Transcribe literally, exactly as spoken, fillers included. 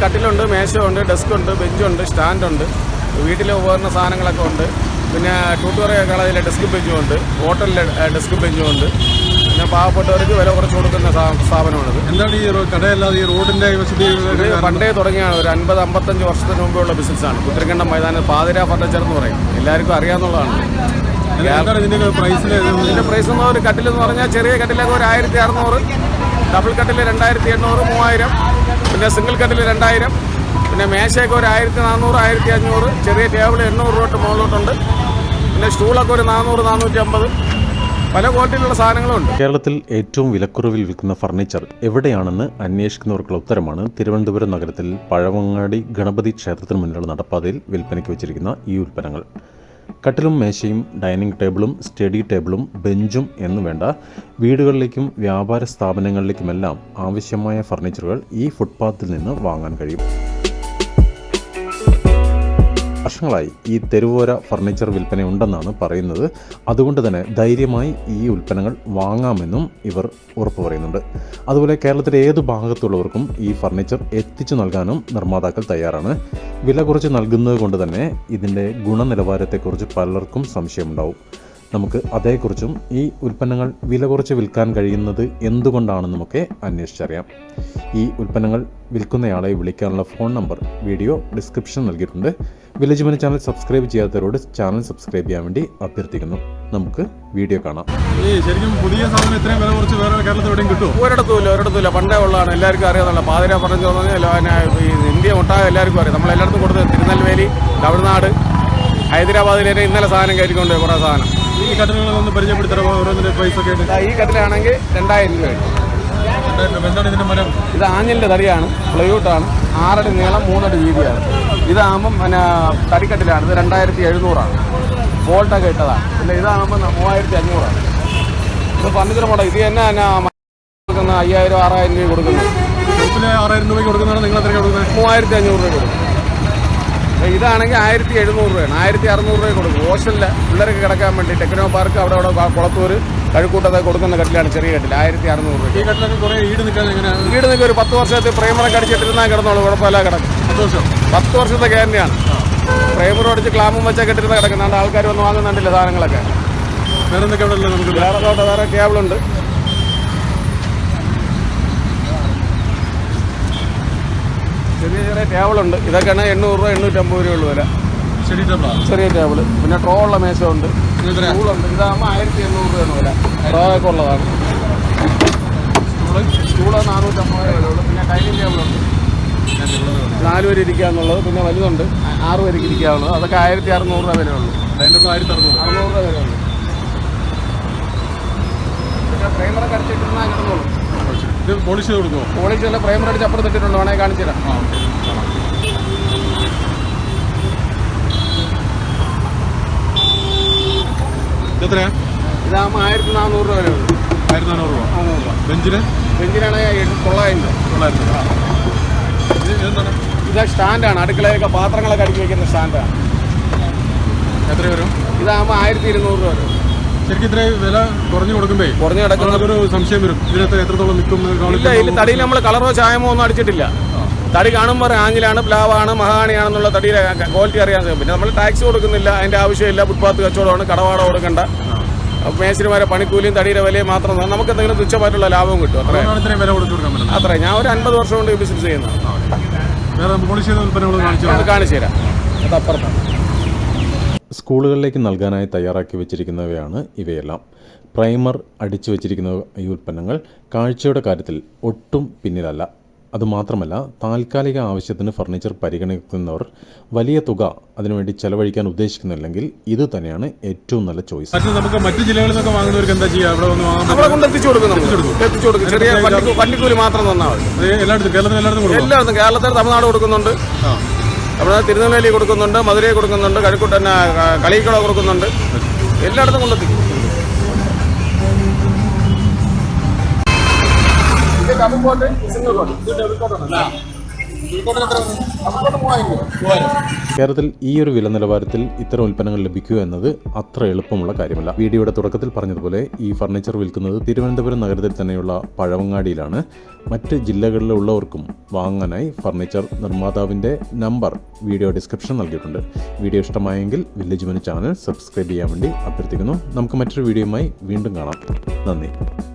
കട്ടിലുണ്ട്, മേശയുണ്ട്, ഡെസ്കുണ്ട്, ബെഞ്ചുണ്ട്, സ്റ്റാൻഡുണ്ട്, വീട്ടിലെ ഉപകരണ സാധനങ്ങളൊക്കെ ഉണ്ട്. പിന്നെ ട്യൂട്ടോറിയ കളയിലെ ഡെസ്ക് ബെഞ്ചും ഉണ്ട്, ഹോട്ടലിലെ ഡെസ്ക് ബെഞ്ചും ഉണ്ട്. പിന്നെ പാവപ്പെട്ടവർക്ക് വില കുറച്ച് കൊടുക്കുന്ന സ്ഥാപനമാണിത്. എന്താണ് ഈ കടയല്ലാതെ ഈ റോഡിൻ്റെ പണ്ടേ തുടങ്ങിയാണ്. ഒരു അൻപത് അമ്പത്തഞ്ച് വർഷത്തിന് മുമ്പുള്ള ബിസിനസ്സാണ്. പുത്തരിക്കണ്ടം മൈതാനം പാതിര ഫർണിച്ചർ എന്ന് പറയും. എല്ലാവർക്കും അറിയാവുന്നതാണ്. ഇതിൻ്റെ പ്രൈസിൽ ഇതിൻ്റെ പ്രൈസ് എന്ന് ഒരു കട്ടിലെന്ന് പറഞ്ഞാൽ ചെറിയ കട്ടിലൊക്കെ ഒരു ആയിരത്തി അറുന്നൂറ്, ഡബിൾ കട്ടിൽ രണ്ടായിരത്തി എണ്ണൂറ്, മൂവായിരം, പിന്നെ സിംഗിൾ കട്ടിൽ രണ്ടായിരം, പിന്നെ മേശയൊക്കെ ഒരു ആയിരത്തി നാനൂറ്, ആയിരത്തി അഞ്ഞൂറ്, ചെറിയ ടേബിൾ എണ്ണൂറ് രൂപ മുകളിലോട്ടുണ്ട്. പിന്നെ സ്റ്റൂളൊക്കെ ഒരു നാനൂറ്, നാനൂറ്റി അമ്പത്, പല ക്വാളിറ്റിയിലുള്ള സാധനങ്ങളുണ്ട്. കേരളത്തിൽ ഏറ്റവും വിലക്കുറവിൽ വിൽക്കുന്ന ഫർണിച്ചർ എവിടെയാണെന്ന് അന്വേഷിക്കുന്നവർക്കുള്ള ഉത്തരമാണ് തിരുവനന്തപുരം നഗരത്തിൽ പഴവങ്ങാടി ഗണപതി ക്ഷേത്രത്തിന് മുന്നിലുള്ള നടപ്പാതയിൽ വിൽപ്പനയ്ക്ക് വെച്ചിരിക്കുന്ന ഈ ഉൽപ്പന്നങ്ങൾ. കട്ടിലും മേശയും ഡൈനിങ് ടേബിളും സ്റ്റഡി ടേബിളും ബെഞ്ചും എന്നു വേണ്ട വീടുകളിലേക്കും വ്യാപാര സ്ഥാപനങ്ങളിലേക്കുമെല്ലാം ആവശ്യമായ ഫർണിച്ചറുകൾ ഈ ഫുട്പാത്തിൽ നിന്ന് വാങ്ങാൻ കഴിയും. വർഷങ്ങളായി ഈ തെരുവോര ഫർണിച്ചർ വിൽപ്പന ഉണ്ടെന്നാണ് പറയുന്നത്. അതുകൊണ്ട് തന്നെ ധൈര്യമായി ഈ ഉൽപ്പന്നങ്ങൾ വാങ്ങാമെന്നും ഇവർ ഉറപ്പു പറയുന്നുണ്ട്. അതുപോലെ കേരളത്തിലെ ഏതു ഭാഗത്തുള്ളവർക്കും ഈ ഫർണിച്ചർ എത്തിച്ചു നൽകാനും നിർമ്മാതാക്കൾ തയ്യാറാണ്. വില കുറച്ച് നൽകുന്നത് കൊണ്ട് തന്നെ ഇതിൻ്റെ ഗുണനിലവാരത്തെക്കുറിച്ച് പലർക്കും സംശയമുണ്ടാവും. നമുക്ക് അതേക്കുറിച്ചും ഈ ഉൽപ്പന്നങ്ങൾ വില കുറച്ച് വിൽക്കാൻ കഴിയുന്നത് എന്തുകൊണ്ടാണെന്നുമൊക്കെ അന്വേഷിച്ചറിയാം. ഈ ഉൽപ്പന്നങ്ങൾ വിൽക്കുന്നയാളെ വിളിക്കാനുള്ള ഫോൺ നമ്പർ വീഡിയോ ഡിസ്ക്രിപ്ഷൻ നൽകിയിട്ടുണ്ട്. വില്ലേജ് മണി ചാനൽ സബ്സ്ക്രൈബ് ചെയ്യാത്തവരോട് ചാനൽ സബ്സ്ക്രൈബ് ചെയ്യാൻ വേണ്ടി അഭ്യർത്ഥിക്കുന്നു. നമുക്ക് വീഡിയോ കാണാം. ഈ ശരിക്കും പുതിയ സാധനം ഇത്രയും വില കുറച്ച് വേറെ കേരളത്തിൽ എവിടെയും കിട്ടും? ഒരിടത്തുമില്ല, ഒരിടത്തുമില്ല. പണ്ടേ ഉള്ളതാണ്, എല്ലാവർക്കും അറിയാവുന്ന പാതിര പറഞ്ഞു പറഞ്ഞാൽ ഈ ഇന്ത്യ ഒട്ടാകെ എല്ലാവർക്കും അറിയാം. നമ്മളെല്ലായിടത്തും കൊടുത്ത് തിരുനെൽവേലി, തമിഴ്നാട്, ഹൈദരാബാദിലെ ഇന്നലെ സാധനം കയറ്റിക്കൊണ്ട് കുറേ സാധനം. ഈ കട്ടിലുകളൊന്ന് പരിചയപ്പെടുത്തരോ? ഓരോന്നിൻ്റെ പൈസ ഒക്കെ ഈ കട്ടിലാണെങ്കിൽ രണ്ടായിരം രൂപ. എന്താണ് ഇതിൻ്റെ മരം? ഇത് ആഞ്ഞിലിൻ്റെ തടിയാണ്, പ്ലൈവുഡാണ്, ആറടി നീളം, മൂന്നടി വീതിയാണ്. ഇതാകുമ്പം പിന്നെ തടിക്കട്ടിലാണ്. ഇത് രണ്ടായിരത്തി എഴുന്നൂറാണ്, ബോൾട്ടൊക്കെ ഇട്ടതാണ്. പിന്നെ ഇതാകുമ്പോൾ മൂവായിരത്തി അഞ്ഞൂറാണ്. ഇത് ഫർണിച്ചർ മോഡൽ. ഇത് തന്നെ തന്നെ കൊടുക്കുന്ന അയ്യായിരം ആറായിരം രൂപ കൊടുക്കുന്നത്. ആറായിരം രൂപയ്ക്ക് കൊടുക്കുന്നതാണ്. നിങ്ങൾ എത്ര കൊടുക്കുന്നത്? മൂവായിരത്തി അഞ്ഞൂറ് രൂപ കൊടുക്കും. ഇതാണെങ്കിൽ ആയിരത്തി എഴുന്നൂറ് രൂപയാണ്, ആയിരത്തി അറുന്നൂറ് രൂപ കൊടുക്കും. ഹോസ്റ്റലിൽ പിള്ളേർക്ക് കിടക്കാൻ വേണ്ടി ടെക്നോ പാർക്ക് അവിടെ അവിടെ കുളത്തൂർ കഴുക്കൂട്ടത്തെ കൊടുക്കുന്ന കട്ടിലാണ്, ചെറിയ കട്ടിൽ, ആയിരത്തി അറുന്നൂറ് രൂപ. ഈ കട്ടിലൊക്കെ കുറേ ഈട് നിൽക്കാൻ എങ്ങനെയാണ്? ഈട് നിൽക്കുക ഒരു പത്ത് വർഷത്തെ പ്രൈമറൊക്കെ അടിച്ചിട്ടിരുന്നാൽ കിടന്നോളൂ, കുഴപ്പമില്ല കിടക്കും. പത്ത് വർഷം പത്ത് വർഷത്തെ ഗ്യാരണ്ടിയാണ്. പ്രൈമറും അടിച്ച് ക്ലാമും വെച്ചാൽ കെട്ടിരുന്ന കിടക്കുന്നുണ്ട്. ആൾക്കാർ വന്ന് വാങ്ങുന്നുണ്ടല്ലോ സാധനങ്ങളൊക്കെ. വേറെ എന്തൊക്കെ അവിടെ ഉള്ളത്? നമുക്ക് വേറെ വേറെ ടേബിളുണ്ട്. ചെറിയ ചെറിയ ടേബിളുണ്ട്. ഇതൊക്കെയാണ് എണ്ണൂറ് രൂപ, എണ്ണൂറ്റമ്പത് രൂപയുള്ള വില. ചെറിയ ടേബിൾ. പിന്നെ ട്രോ ഉള്ള മേശമുണ്ട്, സ്റ്റൂളുണ്ട്. ഇതാകുമ്പോൾ ആയിരത്തി എണ്ണൂറ് രൂപയാണ് വില. ട്രോ ഒക്കെ ഉള്ളതാണ്. സ്റ്റൂള് നാനൂറ്റമ്പത് രൂപയുള്ളൂ. പിന്നെ ഡൈനിങ് ടേബിളുണ്ട്, നാല് പേര് ഇരിക്കാന്നുള്ളത്. പിന്നെ വലുതുണ്ട്, ആറ് പേർക്ക് ഇരിക്കാവുള്ളത്. അതൊക്കെ ആയിരത്തി അറുന്നൂറ് രൂപ വിലയുള്ളൂ. ആയിരത്തി അറുന്നൂറ് അറുന്നൂറ് രൂപ വിലയുള്ളൂ. പിന്നെ പ്രൈമറൊക്കെ അടിച്ചിട്ടിരുന്നാൽ കിടന്നോളൂ. ഇത് പോളിഷ് ചെയ്ത് കൊടുക്കുമോ? പോളിഷ് അല്ല, പ്രൈമർ അടിച്ച് അപ്പുറത്തിട്ടിട്ടുണ്ട്, വേണമെങ്കിൽ കാണിച്ചു തരാം. എത്രയാ? ഇതാകുമ്പോൾ ആയിരത്തി നാനൂറ് രൂപ വിലയുള്ളൂ. ആയിരത്തി നാനൂറ് രൂപ. നാനൂറ് രൂപ. ബെഞ്ചിന്? ബെഞ്ചിനാണെങ്കിൽ തൊള്ളായിരം രൂപ. തൊള്ളായിരം രൂപ. ഇതെന്താണ്? ഇത് സ്റ്റാൻഡാണ്, അടുക്കളയൊക്കെ പാത്രങ്ങളൊക്കെ അടുക്കി വയ്ക്കുന്ന സ്റ്റാൻഡാണ്. എത്ര വരും? ഇതാകുമ്പോൾ ആയിരത്തി ഇരുന്നൂറ് രൂപ വരും. ശരിക്കും ഇത്രയും വില കുറഞ്ഞു കൊടുക്കുമ്പോ കുറഞ്ഞു കിടക്കുന്ന ഒരു സംശയം വരും, ഇതിനകത്ത് എത്രത്തോളം നിൽക്കും? ഇല്ല, ഇതിൽ തടിയിൽ നമ്മൾ കളറോ ചായമോ ഒന്നും അടിച്ചിട്ടില്ല. തടി കാണുമ്പോൾ ആഞ്ഞിലാണ്, പ്ലാവാണ്, മഹാണിയാണെന്നുള്ള തടിയുടെ ക്വാളിറ്റി അറിയാൻ സാധിക്കും. പിന്നെ നമ്മൾ ടാക്സ് കൊടുക്കുന്നില്ല, അതിൻ്റെ ആവശ്യമില്ല. ഫുട്പാത്ത് കച്ചവടമാണ്, കടവാട കൊടുക്കണ്ട. മേശരിമാരെ പണിക്കൂലിയും തടിയുടെ വിലയും മാത്രം നമുക്ക് എന്തെങ്കിലും തുച്ഛമായിട്ടുള്ള ലാഭവും കിട്ടും. അത്ര വില കൊടുത്തു കൊടുക്കാൻ അത്ര. ഞാൻ ഒരു അൻപത് വർഷം കൊണ്ട് ബിസിനസ് ചെയ്യുന്നത്. കാണിച്ചു തരാം. അത് അപ്പുറത്താണ്. സ്കൂളുകളിലേക്ക് നൽകാനായി തയ്യാറാക്കി വെച്ചിരിക്കുന്നവയാണ് ഇവയെല്ലാം. പ്രൈമർ അടിച്ചു വെച്ചിരിക്കുന്ന ഈ ഉൽപ്പന്നങ്ങൾ കാഴ്ചയുടെ കാര്യത്തിൽ ഒട്ടും പിന്നിലല്ല. അതുമാത്രമല്ല, താൽക്കാലിക ആവശ്യത്തിന് ഫർണിച്ചർ പരിഗണിക്കുന്നവർ വലിയ തുക അതിനുവേണ്ടി ചെലവഴിക്കാൻ ഉദ്ദേശിക്കുന്നില്ലെങ്കിൽ ഇത് തന്നെയാണ് ഏറ്റവും നല്ല ചോയ്സ്. നമുക്ക് മറ്റു ജില്ലകളിൽ നിന്നൊക്കെ വാങ്ങുന്നവർക്ക് എന്താ ചെയ്യുക? അവിടെ വന്ന് നമ്മളെ കൊണ്ട് എത്തിച്ചു കൊടുക്കും. എത്തിച്ചു കൊടുക്കും. ചെറിയ വണ്ടിക്കൂലി മാത്രം തന്നാൽ മതി. എല്ലായിടത്തും കേരളത്തിൽ എല്ലായിടത്തും എല്ലായിടത്തും കേരളത്തിൽ തമിഴ്നാട് കൊടുക്കുന്നുണ്ട്, അവിടെ തിരുനെൽവേലി കൊടുക്കുന്നുണ്ട്, മധുരൈ കൊടുക്കുന്നുണ്ട്, കഴക്കൂട്ടൻ കളിക്കട കൊടുക്കുന്നുണ്ട്. എല്ലായിടത്തും കൊണ്ടെത്തിക്കും. കേരളത്തിൽ ഈ ഒരു വില നിലവാരത്തിൽ ഇത്തരം ഉൽപ്പന്നങ്ങൾ ലഭിക്കുക എന്നത് അത്ര എളുപ്പമുള്ള കാര്യമല്ല. വീഡിയോയുടെ തുടക്കത്തിൽ പറഞ്ഞതുപോലെ ഈ ഫർണിച്ചർ വിൽക്കുന്നത് തിരുവനന്തപുരം നഗരത്തിൽ തന്നെയുള്ള പഴവങ്ങാടിയിലാണ്. മറ്റ് ജില്ലകളിലുള്ളവർക്കും വാങ്ങാനായി ഫർണിച്ചർ നിർമ്മാതാവിൻ്റെ നമ്പർ വീഡിയോ ഡിസ്ക്രിപ്ഷൻ നൽകിയിട്ടുണ്ട്. വീഡിയോ ഇഷ്ടമായെങ്കിൽ വില്ലേജ് മനു ചാനൽ സബ്സ്ക്രൈബ് ചെയ്യാൻ വേണ്ടി അഭ്യർത്ഥിക്കുന്നു. നമുക്ക് മറ്റൊരു വീഡിയോയുമായി വീണ്ടും കാണാം. നന്ദി.